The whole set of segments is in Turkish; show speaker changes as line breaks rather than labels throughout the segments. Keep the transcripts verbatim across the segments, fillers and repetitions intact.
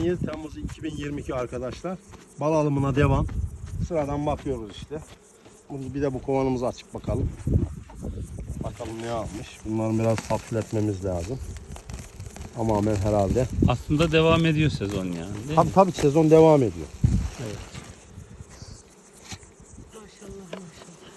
yedi Temmuz iki bin yirmi iki arkadaşlar. Bal alımına devam. Sıradan bakıyoruz işte. Bir de bu kovanımızı açıp bakalım. Bakalım ne almış. Bunları biraz hafifletmemiz lazım. Tamamen herhalde.
Aslında devam ediyor sezon yani. Değil
Tabii
mi?
tabii sezon devam ediyor.
Evet.
Maşallah maşallah.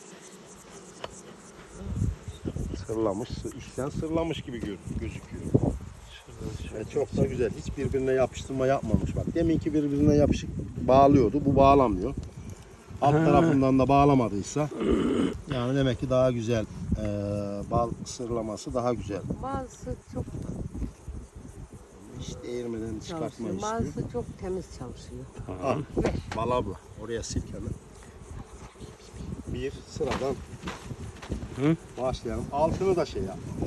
Sırlamış, içten sırlamış gibi gözüküyor. Evet, çok da güzel. Hiç birbirine yapıştırma yapmamış bak. Deminki birbirine yapışık bağlıyordu. Bu bağlamıyor. Alt
Ha.
tarafından da bağlamadıysa yani demek ki daha güzel. Ee, bal sırlaması daha güzel.
Bazısı çok
Hiç değirmeden çıkartma
çalışıyor.
istiyor.
Bazısı çok temiz çalışıyor.
Ah, bal abla. Oraya sil hemen. Bir sıradan
Hı?
başlayalım. Altını da şey yapmamış.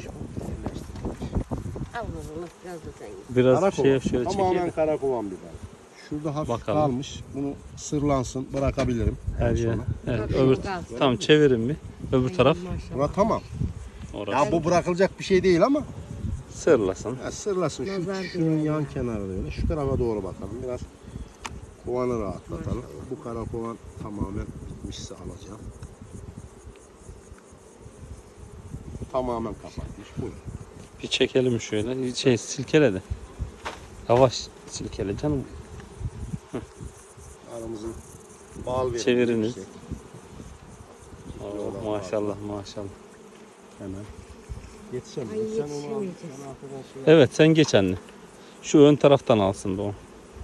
Avruluk biraz da sen git.
Biraz
Karakovan.
şey şöyle
Tamamen
çekelim.
karakovan bir bal. Şurada hafif
Bakalım.
kalmış. Bunu sırlansın. Bırakabilirim.
Her
en
yer.
sona.
Evet,
Tabii,
öbür
o gaz.
tamam çevirin bir. Öbür taraf
Maşallah.
Bura tamam.
orası.
Ya bu bırakılacak bir şey değil ama
Sırlasın.
ya sırlasın. Şu,
Nazar
şunun
değer
yan
yani.
kenarı öyle. Şu tarafa doğru bakalım. Biraz kovanı rahatlatalım. Bu kara kovan tamamen bitmişse alacağım. Tamamen kapatmış. Buyurun.
Bir çekelim şöyle. Şey silkele de. Yavaş silkele canım.
Aramızın bal verimi
Çeviriniz.
yüksek.
Oo, maşallah maşallah.
Hemen. Yetişemez.
Ay,
Sen onu al.
yetişemeyeceğiz.
Sen arkadan şey yap.
Evet sen geç anne. Şu ön taraftan alsın da o.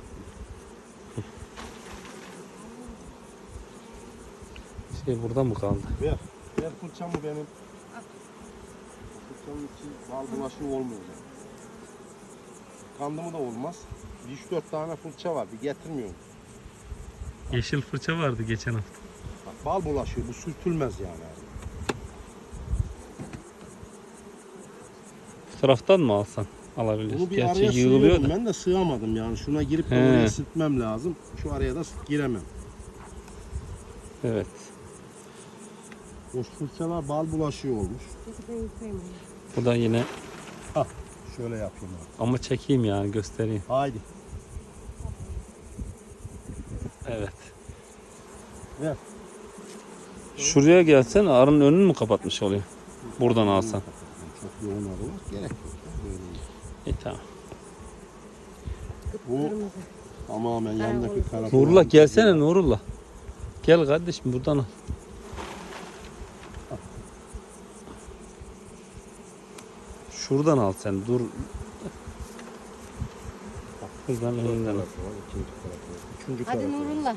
Şey burada mı kaldı?
Ver. Ver fırçamı benim. Fırçanın içi bal bulaşığı olmayacak. Kandı mı da olmaz. üç dört tane fırça var. Bir getirmiyorum.
Yeşil fırça vardı geçen hafta.
Bak, bal bulaşıyor. Bu sürtülmez yani.
Bu taraftan mı alsan? Alabilir.
Bunu bir
Gerçi
araya
yığılıyor
sığıyordum
da.
ben de sığamadım yani. Şuna girip de
He.
oraya sürtmem lazım. Şu araya da giremem.
Evet.
Boş fırçalar bal bulaşıyor olmuş.
Peki ben yıkayayım onu.
Bu da yine
Şöyle yapayım abi.
ama çekeyim yani göstereyim.
Haydi.
Evet.
Ver.
Şuraya gelsen arının önünü mü kapatmış oluyor? Buradan alsan.
Çok yoğun arılar. Gerek yok. Böyle iyi.
İyi tamam.
Bu
Kırmızı.
tamamen yandaki kara.
Nurullah gelsene Nurullah. Gel kardeşim buradan al. Şuradan al sen dur. Buradan önünden al.
İkinci tarafı. Üçüncü
Hadi
tarafı.
Nurullah.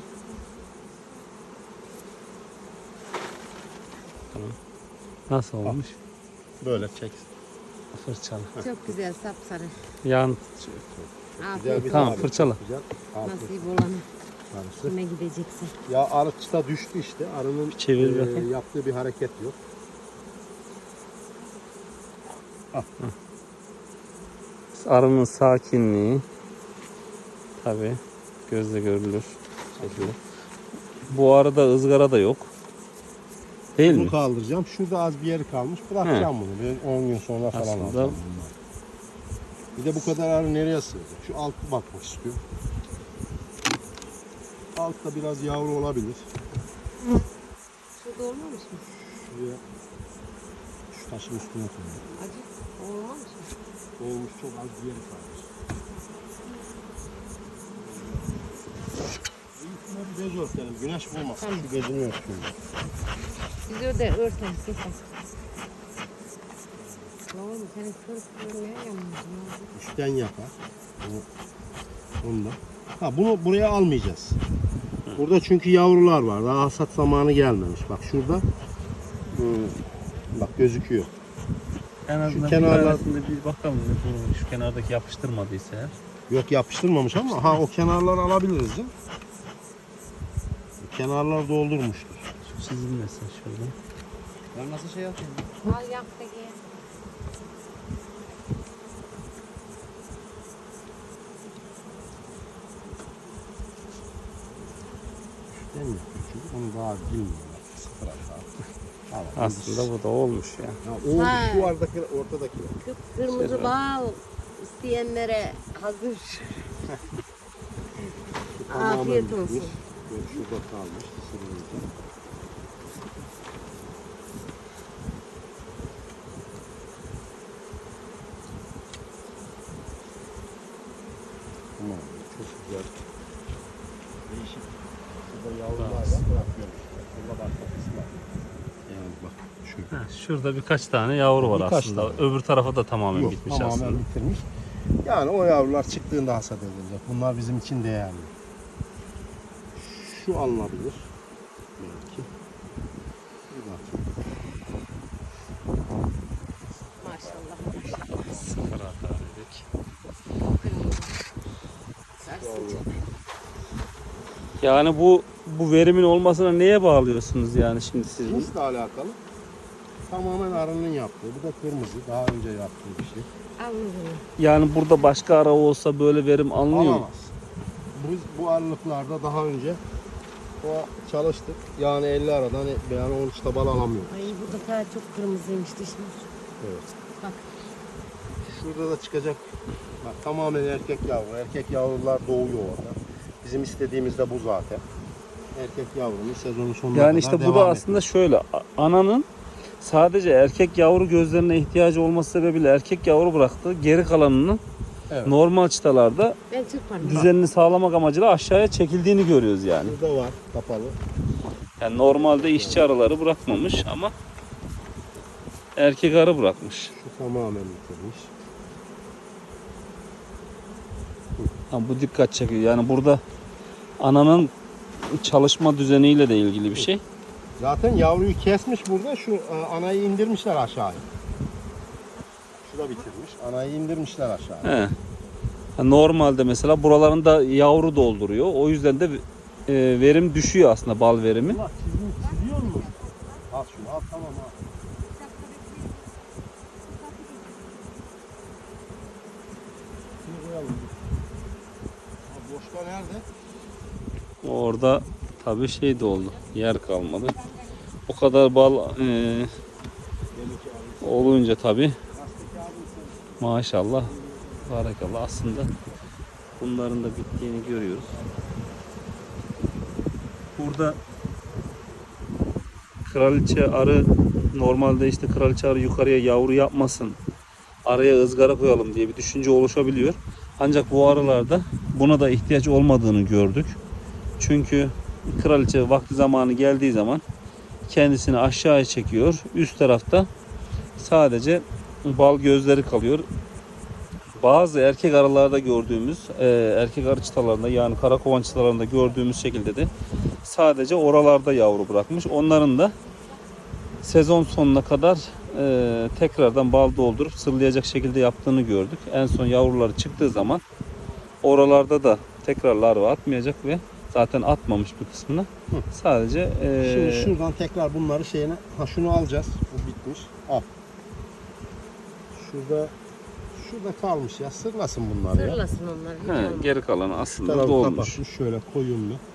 Tamam. Nasıl olmuş?
Böyle çek.
Fırçalı.
Çok güzel sapsarı.
Yan.
Afiyet olsun.
Tamam,
tarif,
fırçala.
çok Güzel. Afiyet
Nasip olana.
arısı.
Kime gideceksin?
Ya arı çıta düştü işte. Arının
Çevir
e,
bakayım.
yaptığı bir hareket yok.
Arının sakinliği. Tabi gözle görülür şekilde. Bu arada ızgara da yok. Değil
Bunu
mi?
kaldıracağım. Şurada az bir yeri kalmış. Bırakacağım bunu. Ben on gün sonra falan
Aslında-
alacağım bunları. Bir de bu kadar arı nereye sığacak? Şu altı bakmak istiyorum. Altta biraz yavru olabilir.
Şurada olmamış mı?
Şuraya şu taşın üstüne koyuyorum.
Acı olmamış mı?
Olmuş, çok az bir yeri kalmış. Üstüne bir bez örtelim. Güneş vurmasın.
Tamam.
Şu bezini örtüyorum.
Biz öyle örten keser. Oğlum senin kırık görmeye yanmıyorsun.
Üstten yapar. Bunu, bunu da. Ha, bunu buraya almayacağız. Burada çünkü yavrular var. Daha hasat zamanı gelmemiş. Bak şurada. Hmm, bak gözüküyor.
En azından
kenarlar-
bir tanesinde bir bakalım. Şu kenardaki yapıştırmadıysa eğer.
Yok yapıştırmamış ama ha o kenarları alabiliriz ya. Kenarlar doldurmuştur.
Şu çizilmesin şöyle.
Ben nasıl şey yapayım?
Al yak da gel.
Üstten yapıyor çünkü onu daha bilmiyorlar. Sıfır hata. Tamam,
Aslında bu da olmuş ya.
Ya, oldu
Ha.
şu aradaki ortadaki.
Kırmızı
Şöyle.
bal isteyenlere hazır.
Tamamen
Afiyet
bitmiş.
olsun.
Böyle şurada kalmış. Sırılınca. Tamam. Çok güzel. Değişik. Şurada yavrularla bırakıyoruz. Burada başka kısmı var. Yani bak şu.
Heh, şurada birkaç tane yavru var
Birkaç
aslında. Öbür tarafa da tamamen
Yok,
bitmiş
tamamen
aslında.
bitirmiş. Yani o yavrular çıktığında hasat edilecek. Bunlar bizim için değerli. Şu alınabilir. Belki. Bir bakayım.
Maşallah.
Sıfır hata dedik.
Sarsınca.
Yani bu bu verimin olmasına neye bağlıyorsunuz yani şimdi siz? bunu?
Cinsle alakalı. Tamamen arının yaptığı. Bu da kırmızı. Daha önce yaptığı bir şey.
Anladım.
Yani burada başka ara olsa böyle verim alınıyor mu?
Alamaz. Biz bu aralıklarda daha önce o çalıştık. Yani elli aradan yani on üç tabal alamıyoruz.
Ay burada kadar çok kırmızıymış dişimiz.
Evet.
Bak.
Şurada da çıkacak. Bak, tamamen erkek yavru. Erkek yavrular doğuyor orada. Bizim istediğimiz de bu zaten. Erkek yavrunun sezonun sonuna
Yani
kadar
işte bu
devam
da
etmesi.
aslında şöyle a- ananın sadece erkek yavru gözlerine ihtiyacı olması sebebiyle erkek yavru bıraktı. Geri kalanının
Evet.
normal çıtalarda
Ben çırparım.
düzenini sağlamak amacıyla aşağıya çekildiğini görüyoruz yani.
Burada var kapalı.
Yani normalde işçi arıları bırakmamış ama erkek arı bırakmış.
Şu tamamen bitirmiş.
Ha, bu dikkat çekiyor. Yani burada ananın çalışma düzeniyle de ilgili bir şey.
Zaten yavruyu kesmiş burada. Şu e, anayı indirmişler aşağıya. Şu da bitirmiş. Anayı indirmişler aşağıya.
He. Ha, normalde mesela buralarında yavru dolduruyor. O yüzden de e, verim düşüyor aslında, bal verimi.
Allah çizim çiziyor mu? Al şunu al tamam al. Şunu koyalım. Ha, boşta nerede?
Orada tabii şey de oldu. Yer kalmadı. O kadar bal e,
Benimki abi.
olunca tabii
Gazete kağıdını sen.
maşallah, barakallah, aslında bunların da bittiğini görüyoruz. Burada kraliçe arı normalde işte kraliçe arı yukarıya yavru yapmasın, araya ızgara koyalım diye bir düşünce oluşabiliyor. Ancak bu arılarda buna da ihtiyaç olmadığını gördük. Çünkü kraliçe vakti zamanı geldiği zaman kendisini aşağıya çekiyor. Üst tarafta sadece bal gözleri kalıyor. Bazı erkek arılarda gördüğümüz, e, erkek arı çıtalarında yani karakovan çıtalarında gördüğümüz şekilde de sadece oralarda yavru bırakmış. Onların da sezon sonuna kadar e, tekrardan bal doldurup sırlayacak şekilde yaptığını gördük. En son yavruları çıktığı zaman oralarda da tekrar larva atmayacak ve zaten atmamış bir kısmını.
Hı.
Sadece e,
Şimdi şuradan tekrar bunları şeyine, ha şunu alacağız. Bu bitmiş. Al. Şurada şurada kalmış ya. Sırlasın bunları ya.
Sırlasın onları.
he,
He,
geri kalanı
Şu
aslında
tarafı
dolmuş.
kapatmış. Şöyle koyun bir.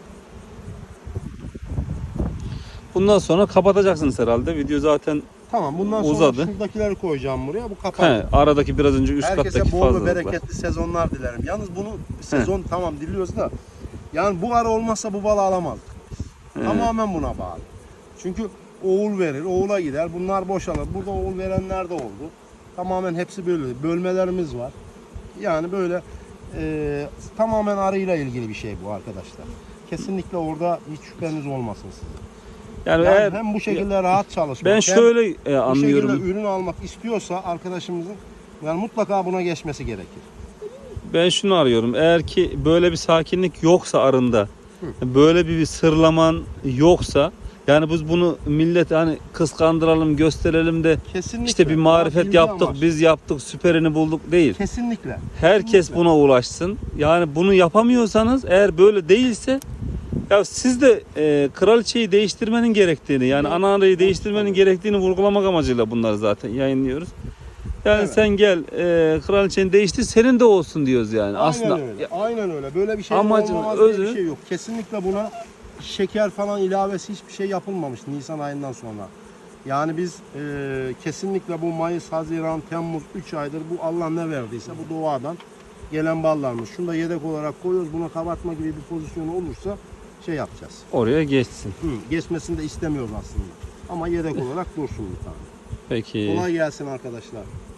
Bundan sonra kapatacaksınız herhalde. Video zaten
Tamam bundan sonra
Uzadı.
şuradakileri koyacağım buraya. Bu kapanacak.
he, aradaki biraz önce üst
Herkese
kattaki
bol ve
fazlalıklar.
bereketli sezonlar dilerim. Yalnız bunu sezon tamam diliyoruz da yani bu ara olmazsa bu balı alamazdık.
He.
Tamamen buna bağlı. Çünkü oğul verir, oğula gider. Bunlar boşalır. Burada oğul verenler de oldu. Tamamen hepsi böyle. Bölmelerimiz var. Yani böyle e, tamamen arıyla ilgili bir şey bu arkadaşlar. Kesinlikle orada hiç şüpheniz olmasın sizin.
Yani,
Yani
eğer
hem bu şekilde rahat çalışmak,
ben
hem
şöyle e,
bu şekilde
anlıyorum.
ürün almak istiyorsa arkadaşımızın yani mutlaka buna geçmesi gerekir.
Ben şunu arıyorum. Eğer ki böyle bir sakinlik yoksa arında, böyle bir sırlaman yoksa, yani biz bunu millet hani kıskandıralım, gösterelim de
Kesinlikle.
işte bir marifet
İlgi
yaptık,
amaçlı.
biz yaptık, süperini bulduk değil.
Kesinlikle.
Herkes
Kesinlikle.
buna ulaşsın. Yani bunu yapamıyorsanız, eğer böyle değilse, ya siz de e, kraliçeyi değiştirmenin gerektiğini, yani
Evet.
ana arayı değiştirmenin gerektiğini vurgulamak amacıyla bunları zaten yayınlıyoruz. Yani
Evet.
sen gel e, kraliçeni değiştir, senin de olsun diyoruz yani.
Aynen
Aslında
öyle. Aynen öyle. Böyle bir şey
amacın
olmamaz diye
özü-
bir şey yok. Kesinlikle buna şeker falan ilavesi hiçbir şey yapılmamış Nisan ayından sonra. Yani biz e, kesinlikle bu Mayıs, Haziran, Temmuz üç aydır bu Allah ne verdiyse bu doğadan gelen ballarımız. Şunu da yedek olarak koyuyoruz. Buna kabartma gibi bir pozisyonu olursa şey yapacağız.
Oraya geçsin.
Hı, geçmesini de istemiyoruz aslında. Ama yedek olarak dursun bir tane.
Peki.
Kolay gelsin arkadaşlar.